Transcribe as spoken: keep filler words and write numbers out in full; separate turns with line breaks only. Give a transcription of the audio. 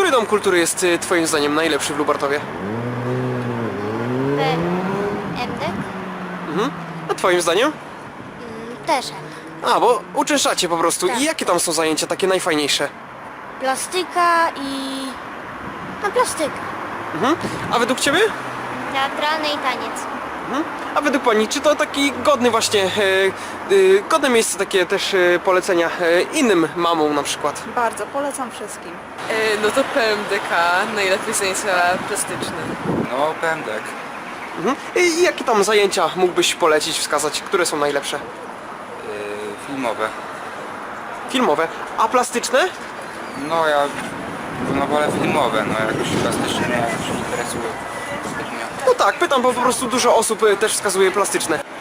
Który dom kultury jest y, twoim zdaniem najlepszy w Lubartowie?
P M D?
Mhm. A twoim zdaniem?
Mm, Też M.
A, bo uczęszczacie po prostu.
Tak.
I jakie tam są zajęcia takie najfajniejsze?
Plastyka i... No plastyka.
Mhm. A według ciebie?
Teatralny i taniec.
Mhm. A według pani, czy to taki godny właśnie, e, e, godne miejsce takie też e, polecenia e, innym mamom na przykład?
Bardzo, polecam wszystkim.
E, No to P M D K, najlepiej zajęcia plastyczne.
No, pędek.
Mhm. I jakie tam zajęcia mógłbyś polecić, wskazać, które są najlepsze?
Yy, filmowe.
Filmowe. A plastyczne?
No ja no wolę filmowe, no jakoś plastycznie mnie jakoś nie interesuje zbytnio.
No tak, pytam, bo po prostu dużo osób e, też wskazuje plastyczne.